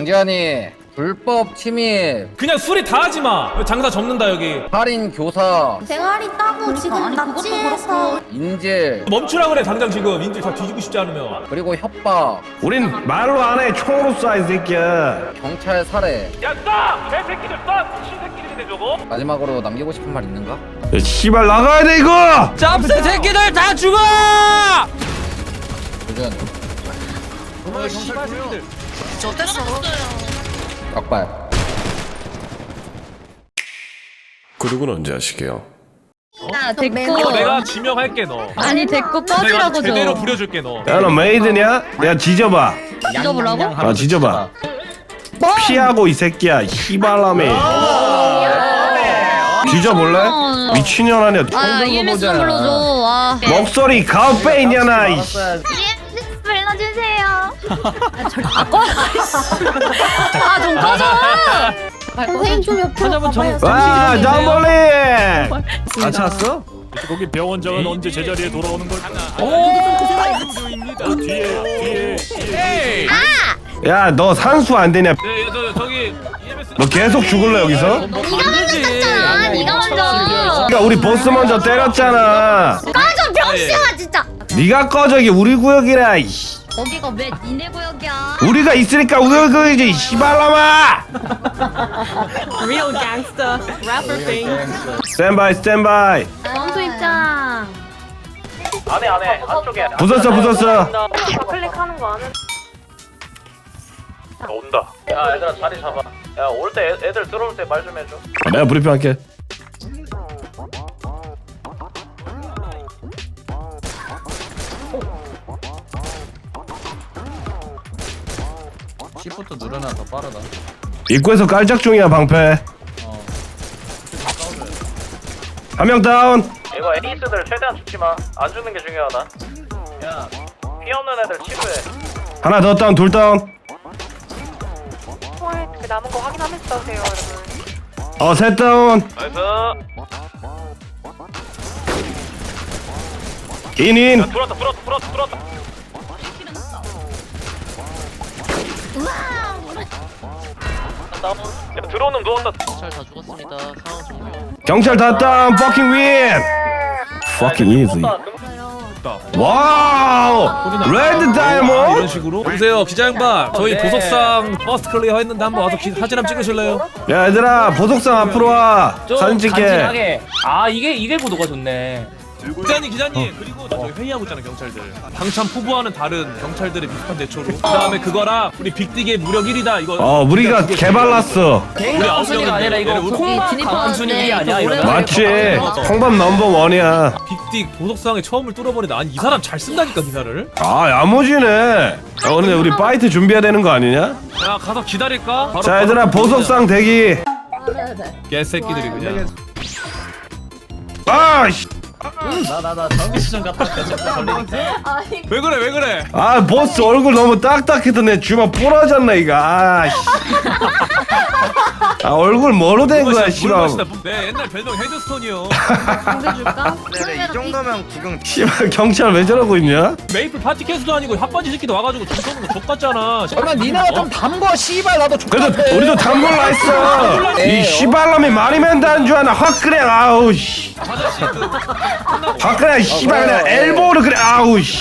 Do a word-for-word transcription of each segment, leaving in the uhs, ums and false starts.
강지환이 불법 침입, 그냥 수리 다 하지 마. 장사 접는다 여기. 살인 교사, 대가리 따고 지금 납치해서 인질, 멈추라 그래 당장 지금. 인질 다 뒤지고 싶지 않으면. 그리고 협박, 우린 말로 안 해. 총으로 쏴 이 새끼야. 경찰 살해. 야 쏴! 개새끼들 쏴! 신새끼들인데 저거? 마지막으로 남기고 싶은 말 있는가? 야, 씨발 나가야 돼 이거. 짭새 새끼들 다 죽어! 도전. 어 씨발 새끼들. 닭발. 구독은 언제 하시게요? 나 너 됐고 내가 지명할게 너. 아니 됐고 내가 꺼지라고 제대로 좀 부려줄게 너. 야 너 메이드냐? 야 지져봐. 잊어보라고? 아 지져봐. 피하고 이 새끼야. 씨발라미. 지져볼래? 미친년 아니야. 아 이엠에스 좀 불러줘 와 목소리 가오빼 있냐나. 이씨. 이엠에스 불러주세요 아좀 꺼져 선생님 좀 옆으로 가봐요 와 잠벌리. 아 찾았어? 거기 배원장은 언제 제자리에 돌아오는 걸까? 오! 뒤에 뒤에 뒤에 야 너 산수 안 되냐? 네, 저 저기 이엠에스. 너 계속 죽을래 여기서? 네가 먼저 쳤잖아 네가 먼저 그러니까 우리 보스 먼저 때렸잖아. 꺼져 병신아 진짜 네가 꺼져. 이게 우리 구역이라. 이씨. 거기가 왜 니네 구역이야 우리가 있으니까 우리 구역이지. 씨발라마. Real gangster rapper thing. 스탠바이 스탠바이. 원수 입장 안에 안에 안쪽에. 부쉈어 부쉈어. 클릭하는 거 아는 온다. 야 얘들아 자리 잡아. 야 올 때 애들 들어올 때 말 좀 해줘. 아, 내가 브리핑할게. 시프트 누르면 더 빠르다. 입구에서 깔짝 중이야 방패. 한 명 다운. 이거 에이스들 최대한 죽지 마. 안 죽는 게 중요하다. 야 피 없는 애들 치료해. 하나 더 다운. 둘 다운. 그 남은 거 확인하면서 싸우세요, 여러분. 어 셋 다운. 나이스. 인인. 불었다 불었다 불었다 불었다. 야 들어오는 누웠다. 경찰 다 죽었습니다. 상황 종료. 경찰 다 다운. Fucking win. Fucking easy. 와우. 레드 다이몬드. 이런 식으로. 보세요 기자 양반. 저희 보석상 퍼스트 클리어 했는데 한번 와서 기, 사진 한번 찍으실래요? 야 얘들아 보석상 앞으로 와. 사진 찍게. 간지나게. 아 이게 이게 구도가 좋네. 기자님 기자님 그리고 저기 회의하고 있잖아 경찰들. 당참 포부와는 다른 경찰들의 비슷한 대처로. 그다음에 그거랑 우리 빅딕의 무력 일 위다 이거. 어 우리가 개발랐어. 개인가 아홉 우순위가 아니라 이거 명인데 콩밥 강순위 일 위 아니야 이거. 맞지. 홍밥 넘버 원이야. 빅딕 보석상에 처음을 뚫어버리다. 아니 이 사람 잘 쓴다니까 기사를. 아 야무지네. 야 근데 우리 파이트 준비해야 되는 거 아니냐? 야 가서 기다릴까? 바로 자 얘들아 보석상 대기. 개새끼들이 그냥. 아씨. 나나나 정비시좀 갔다 올게. 왜 그래 왜 그래? 아 보스 얼굴 너무 딱딱해서 내 주먹 부러졌네 이거. 아씨. 아 얼굴 뭐로 된 거야 씨발. 내 옛날 별명 헤드스톤이요. 줄까? 이 정도면 구경. 씨발 경찰 왜 저러고 있냐? 메이플 파티 캐스도 아니고 핫바지 새끼도 와가지고 돈 써는 거 족같잖아. 얼마 니네가 좀 담궈 씨발 나도 족같아. 그래도 우리도 담골라 했어. 이 씨발놈이 많이 맨다는 줄 아나. 확 그래 아우 씨. 확 그래 씨발 그냥 엘보로 그래 아우 씨.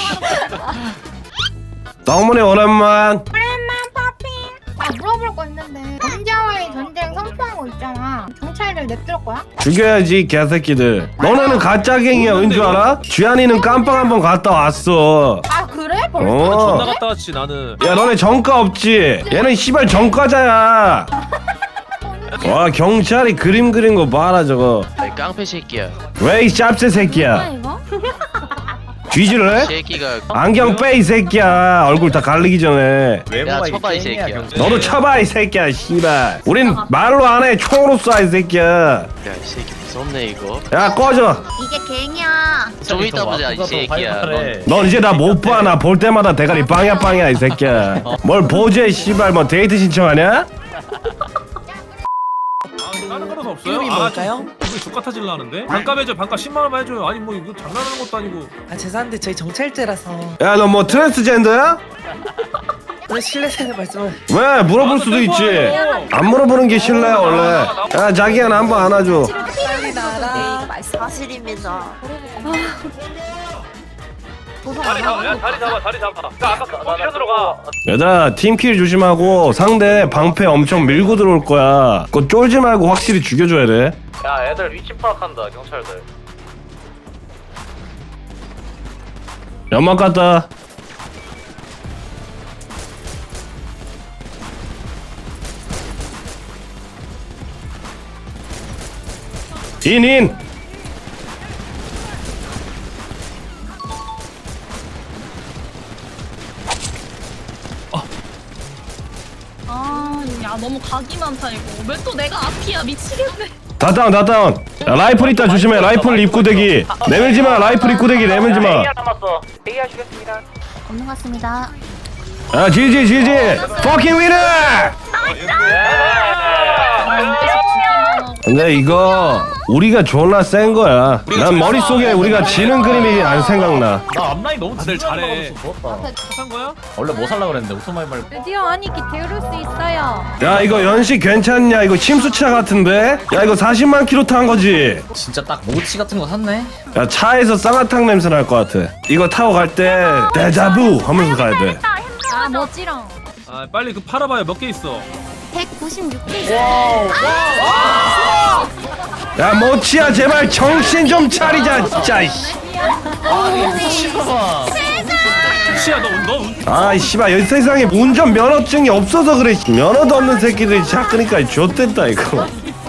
덕분에 오랜만. 오랜만 파핑. 아 물어볼 거 있는데 범죄와의 전쟁 선포한 거 있잖아. 경찰들 냅둘 거야? 죽여야지 개새끼들. 너네는 가짜갱이야 왠 줄 알아? 쥐안이는 깜빵 한번 갔다 왔어. 아 그래? 벌써? 어. 존나 갔다 왔지 나는. 야 너네 정가 없지? 얘는 씨발 정가자야. 와 경찰이 그림 그린 거 봐라 저거. 깡패 새끼야. 왜 이 짭새 뭐야 새끼야. 이거? 뒤질래? 새끼가. 안경 빼 이 새끼야. 얼굴 다 갈리기 전에. 야 쳐봐 이 새끼야. 너도 쳐봐 이 새끼야 씨발. 우린 말로 안 해. 총으로 쏴 이 새끼야. 야 이 새끼 무섭네 이거. 야 꺼져. 이게 갱이야 좀 이따 보자 이 새끼야. 넌 넌 이제 나 못 봐. 나 볼 때마다 대가리 빵야 빵야 이 새끼야. 뭘 보지 씨발. 뭐 데이트 신청하냐? 다른 거는 없어요? 이름이 아, 뭘까요? 이거 족같아질라 하는데? 반값 해줘 반값 십만 원만 해줘요. 아니 뭐 이거 장난하는 것도 아니고. 아 죄송한데 저희 정찰제라서. 야 너 뭐 트랜스젠더야? 실례되는 말씀을. 왜 물어볼 수도 있지. 안 물어보는 게 실례야 원래. 야 자기야 나 한번 안아줘. 사실입니다. 다리 잡아 야 다리 잡아 다리 잡아 나 아까 포지션으로 가 얘들아 팀킬 조심하고 상대 방패 엄청 밀고 들어올 거야. 그거 쫄지 말고 확실히 죽여줘야 돼. 야 애들 위치 파악한다 경찰들 연막 갔다. 인인. 아, 야 너무 각이 많다 이거. 왜 또 내가 앞이야 미치겠네. 다 다운 다 다운. 야, 라이플 있다 조심해. 라이플 입구대기. 내밀지마. 라이플 입구대기 내밀지마. 남았어 A야 주겠습니다. 없는 것 같습니다. 아 지지 지지. Fucking winner. 근데 이거 우리가 졸라 센 거야. 난 머릿속에 우리가 지는 그림이 안 생각나. 나 앞라인 너무 다들 잘해 한 거야? 원래 뭐 살라 그랬는데 오토바이 말고. 드디어 아니기 데려올 수 있어요. 야 이거 연식 괜찮냐? 이거 침수차 같은데? 야 이거 사십만 킬로 탄 거지? 진짜 딱 모치 같은 거 샀네. 야 차에서 쌍화탕 냄새 날 것 같아. 이거 타고 갈 때 데자부 하면서 가야 돼. 아 멋지랑. 아 빨리 그 팔아봐요 몇 개 있어 백구십육 개 있어요. 야 모치야 제발 정신 좀 차리자 진짜. 시야 너너 아이 씨발 이 세상에 운전 면허증이 없어서 그래. 면허도 없는 새끼들이 차 끄니까 좆됐다 이거.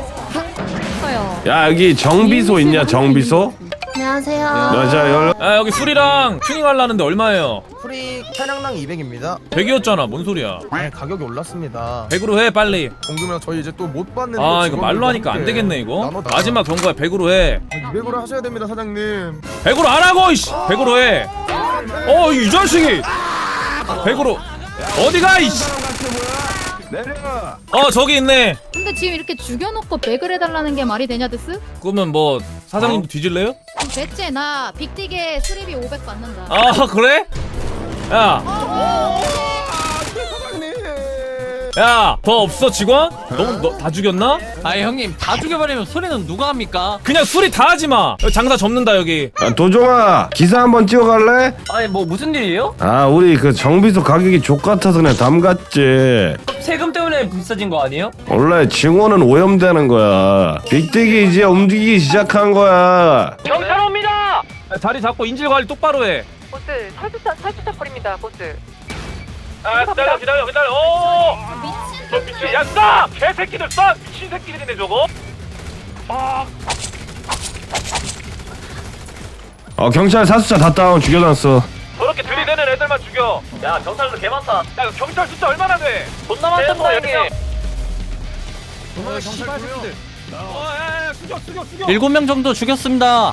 야 여기 정비소 있냐 정비소? 안녕하세요. 야자 열. 아 여기 술이랑 튜닝 하려는데 얼마예요? 프리 차량당 이백입니다. 백이었잖아 뭔 소리야 아니 가격이 올랐습니다. 백으로 해 빨리 공금이랑 저희 이제 또 못 받는. 아 이거 말로 하니까 안 되겠네 이거 마지막 경고야 백으로 해 이백으로 하셔야 됩니다 사장님. 백으로 안 하고 이씨 백으로 해어이 자식이 백으로 어디가 이씨 어 저기 있네 근데 지금 이렇게 죽여놓고 백을 해달라는 게 말이 되냐 데스? 그러면 뭐 사장님도 뒤질래요? 대체 나 빅딕에 수리비 오백 받는다. 아 그래? 야 야, 더 없어 직원? 너무 너, 다 죽였나? 아 형님 다 죽여버리면 소리는 누가 합니까? 그냥 수리 다 하지 마. 여기 장사 접는다 여기. 야 도종아 기사 한번 찍어갈래? 아니 뭐 무슨 일이에요? 아 우리 그 정비소 가격이 족같아서 그냥 담갔지. 세금 때문에 비싸진 거 아니에요? 원래 증오는 오염되는 거야. 빅딕이 이제 움직이기 시작한 거야. 경찰 옵니다. 자리 잡고 인질 관리 똑바로 해. 보스 탈주차 탈주차 거리입니다. 보스. 아 기다려 기다려 기다려. 오. 저 미친 야 쏴! 개새끼들 쏴! 미친 새끼들이네 저거. 아. 어 경찰 사수차 다 다운 죽여놨어. 저렇게 들이대는 애들만 죽여. 야 경찰들 개 많다. 야 경찰 숫자 얼마나 돼? 존나 많다 형님. 어 경찰 새끼들. 어야야 죽여 죽여 죽여. 일곱 명 정도 죽였습니다.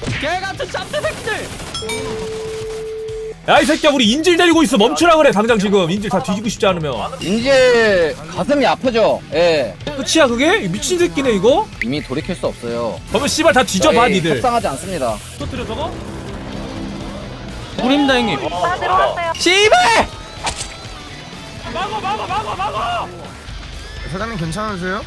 야 이 새끼야 우리 인질 데리고 있어 멈추라 그래 당장 지금 인질 다 뒤지고 싶지 않으면. 인질 가슴이 아프죠. 예. 끝이야 그게? 이 미친 새끼네 이거? 이미 돌이킬 수 없어요. 그러면 씨발 다 뒤져봐 저희 니들. 협상하지 않습니다. 터뜨려 저거? 우립니다 형님. 다 들어왔어요. 씨발! 막어 막어 막어 막어! 사장님 괜찮으세요?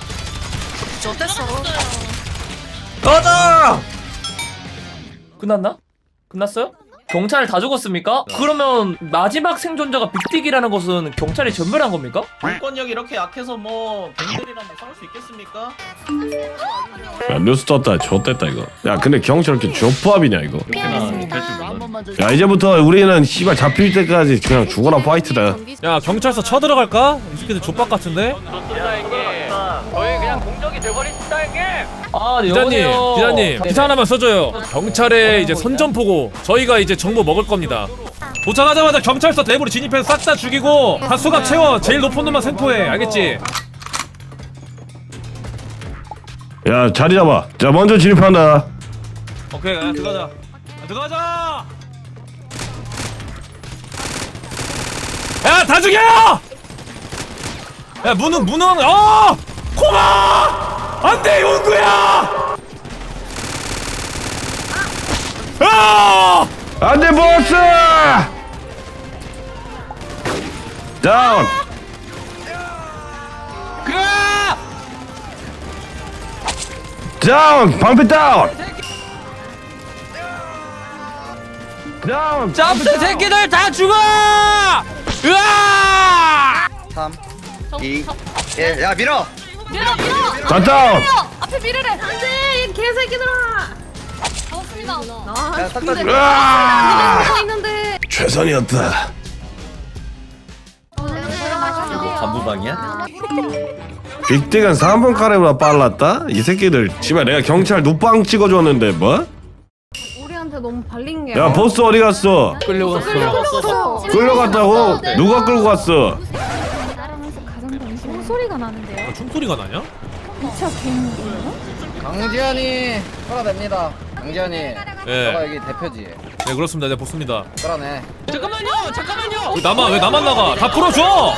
가자! 끝났나? 끝났어요? 경찰 다 죽었습니까? 그러면 마지막 생존자가 빅딕이라는 것은 경찰이 전멸한 겁니까? 공권력이 이렇게 약해서 뭐 갱들이랑 뭐 싸울 수 있겠습니까? 야 뉴스 떴다 좆됐다 이거. 야 근데 경찰 이렇게 조합이냐 이거. 야 이제부터 우리는 씨발 잡힐 때까지 그냥 죽어라 파이트다. 야 경찰서 쳐들어갈까? 이 새끼들 족박 같은데? 저희 그냥 공적이 돼버린다 형님. 아 기자님 여보세요. 기자님 기사 하나만 써줘요. 경찰의 이제 선전포고 저희가 이제 정보 먹을 겁니다. 도착하자마자 경찰서 내부로 진입해서 싹 다 죽이고 다 수갑 채워. 제일 높은 놈만 생포해. 알겠지? 야 자리 잡아. 자 먼저 진입한다. 오케이 야, 들어가자. 야, 들어가자. 야 다 죽여! 야 문은 문은 어! 코마! 안돼 용구야! 아! 안돼 보스! 다운. 다운. 방패 다운. 다운. 짭새 새끼들 다 죽어! 으아! 삼 정- 이 정- 일 야 밀어 밀어 밀어. 다 다운. 앞에 밀으래. 안돼 이 개새끼들아. 잡았습니다. 아, 야, 딱 근데 따지고. 으아! 가 있는데. 최선이었다. 간부방이야? 빅딕은 삼 분 카레보다 빨랐다? 이 새끼들 씨발 내가 경찰 누빵 찍어줬는데 뭐? 우리한테 너무 발린 게. 야 보스 어디 갔어? 끌려갔어. 끌려갔어. 끌려갔다고? 누가 끌고 갔어? 따라하면서 가장 관심 소리가 나는데요. 총소리가 나냐? 미쳐 개인인데요? 강지현이 끌어냅니다. 강지현이 너가 예. 여기 대표지. 네 그렇습니다. 네 보습니다. 끌어내. 잠깐만요. 잠깐만요. 왜 나만 왜 나만 나가? 다 풀어줘.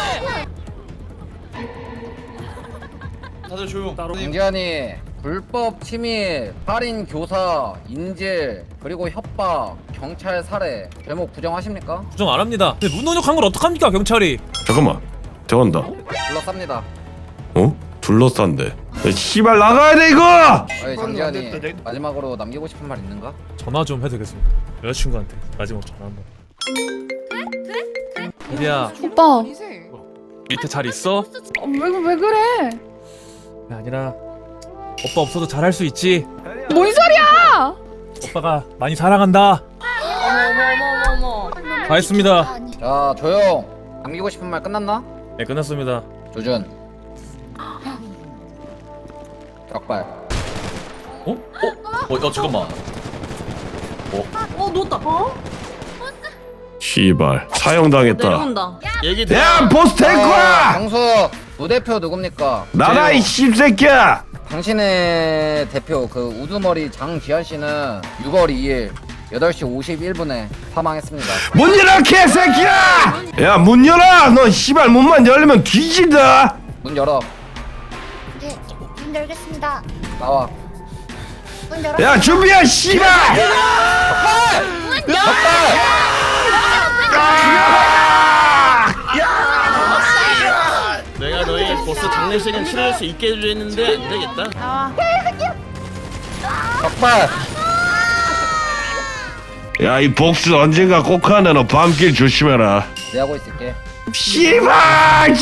다들 조용. 강지현이 불법 침입, 살인 교사, 인질, 그리고 협박, 경찰 살해 제목 부정하십니까? 부정 안 합니다. 근데 문노력한 걸 어떡합니까 경찰이? 잠깐만 저건다. 불러쌉니다. 어? 둘러싼데. 야, 씨발 나가야 돼 이거! 어이 장지현이 마지막으로 남기고 싶은 말 있는가? 전화 좀 해도 되겠습니다. 여자친구한테 마지막 전화 한번. 이리야 오빠, 밑에 잘 있어? 왜, 왜 그래? 그게 아니라 오빠 없어도 잘할 수 있지. 뭔 소리야? 오빠가 많이 사랑한다. 어머 어머 어머. 다 했습니다. 자 조용. 남기고 싶은 말 끝났나? 네 끝났습니다. 조준. 격발. 어? 어? 어? 어 잠깐만. 어 놓았다. 어? 씨발 사형당했다. 내려온다. 얘기 야 보스 될 아, 거야! 경수 부대표 누굽니까? 나라 이 씹새끼야! 당신의 대표 그 우두머리 장지현 씨는 유월 이일 여덟 시 오십일 분에 사망했습니다. 문 열어 개새끼야! 야 문 열어! 너 씨발 문만 열리면 뒤진다! 문 열어. 네, 문 열겠습니다. 나와. 문 열어. 야 준비해 씨발! 내가 너희 보스 장례식은 치를 수 있게 해주했는데 안 되겠다. 나와. 격발. 야 이 복수 언젠가 꼭 하네. 너 밤길 조심해라. 내 하고 있을게. 씨발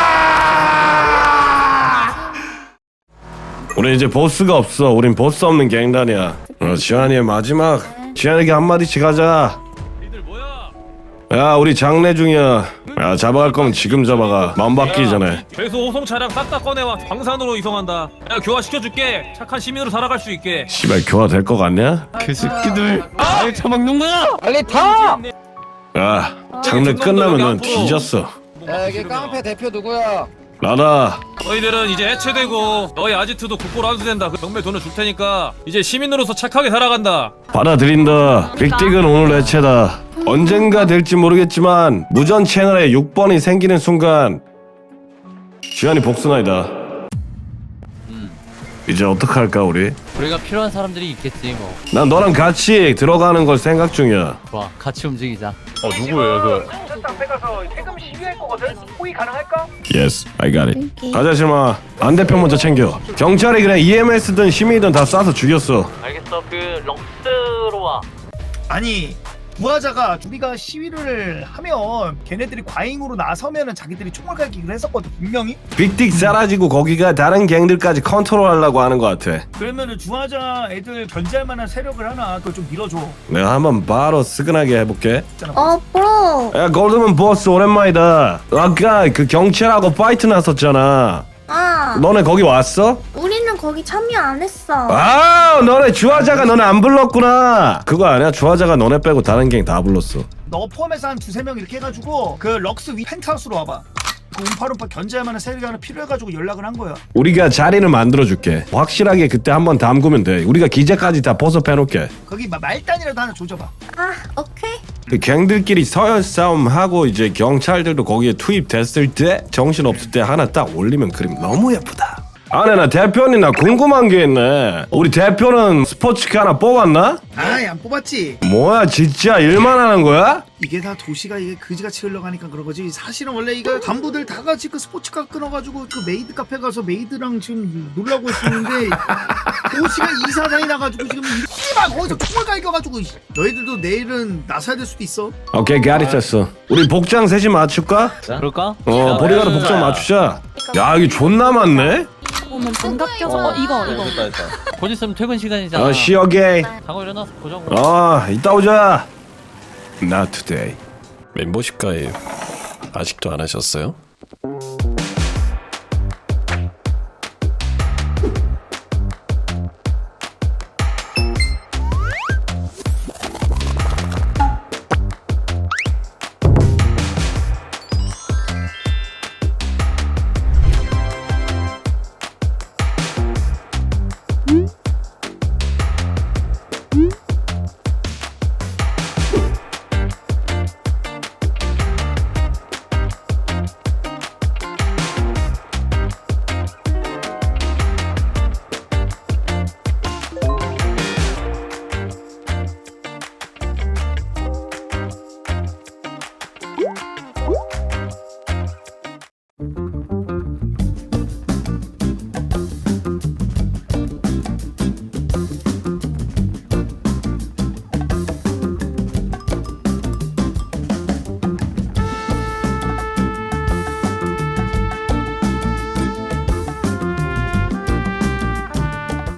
지원아! 우리 이제 보스가 없어. 우린 보스 없는 갱단이야. 어, 지환이의 마지막. 지환에게 한마디씩 하자. 니들 뭐야? 야 우리 장례 중이야. 야 잡아갈 거면 지금 잡아가. 마음 바뀌기 전에. 죄수 호송 차량 싹 다 꺼내와. 광산으로 이송한다. 야 교화 시켜줄게. 착한 시민으로 살아갈 수 있게. 씨발 교화 될 거 같냐? 그 새끼들. 날 처먹는 거야. 빨리 타. 야 장례 끝나면 넌 뒤졌어. 야 여기 깡패 대표 누구야? 나다. 너희들은 이제 해체되고 너희 아지트도 국고로 환수된다. 그 경매 돈을 줄 테니까 이제 시민으로서 착하게 살아간다. 받아들인다. 빅딕은 오늘 해체다. 언젠가 될지 모르겠지만 무전 채널에 육 번이 생기는 순간 지환이 복수나이다. 이제 어떡할까 우리? 우리가 필요한 사람들이 있겠지 뭐. 난 너랑 같이 들어가는 걸 생각 중이야. 좋아. 같이 움직이자. 어 누구예요 그? 앞에 가서 세금 시위할 거거든. 호의 가능할까? Yes, I got it. 가자 실마. 안 대표 먼저 챙겨. 경찰이 그냥 이엠에스든 시민이든 다 쏴서 죽였어. 알겠어. 그 럭스로 와. 아니 부하자가 우리가 시위를 하면 걔네들이 과잉으로 나서면은 자기들이 총을 갈기기로 했었거든 분명히. 빅딕 사라지고 거기가 다른 갱들까지 컨트롤하려고 하는 것 같아. 그러면은 주하자 애들 견제할 만한 세력을 하나 그걸 좀 밀어줘. 내가 한번 바로 스근하게 해볼게. 어, 프로. 야 골드man 보스 오랜만이다. 아까 그 경찰하고 파이트 났었잖아. 아, 너네 거기 왔어? 우리는 거기 참여 안 했어. 아 너네 주하자가 너네 안 불렀구나. 그거 아니야? 주하자가 너네 빼고 다른 갱 다 불렀어. 너 포함해서 한 두세 명 이렇게 해가지고 그 럭스 위 펜트하우스로 와봐. 그 움파룸파 견제할 만한 세력이 하나 필요해가지고 연락을 한 거야. 우리가 자리를 만들어줄게. 확실하게 그때 한번 담그면 돼. 우리가 기재까지 다 포섭해놓게. 거기 마- 말단이라도 하나 조져봐. 아, 오케이. 그 갱들끼리 서열 싸움 하고 이제 경찰들도 거기에 투입됐을 때 정신 없을 때 하나 딱 올리면 그림 너무 예쁘다. 아니 나 대표님 나 궁금한 게 있네. 우리 대표는 스포츠카 하나 뽑았나? 아이 안 뽑았지. 뭐야 진짜 일만 하는 거야? 이게 다 도시가 이게 그지같이 흘러가니까 그런 거지. 사실은 원래 이거 간부들 다 같이 그 스포츠카 끊어가지고 그 메이드 카페 가서 메이드랑 지금 놀라고 있었는데 도시가 이사장이 나가지고 지금 씨발 거기서 총을 갈겨가지고 너희들도 내일은 나서야 될 수도 있어. 오케이 가르쳤어. 우리 복장 셋이 맞출까? 그럴까? 어 보리가드 복장 맞추자. 야 이게 존나 많네. 오면 장갑 껴서 이거 이거. 곧 있으면 퇴근 시간이잖아. 어 쉬어게. 자고 일어나서 보자고. 어 이따 오자. Not today. 멤버십 가입 아직도 안 하셨어요?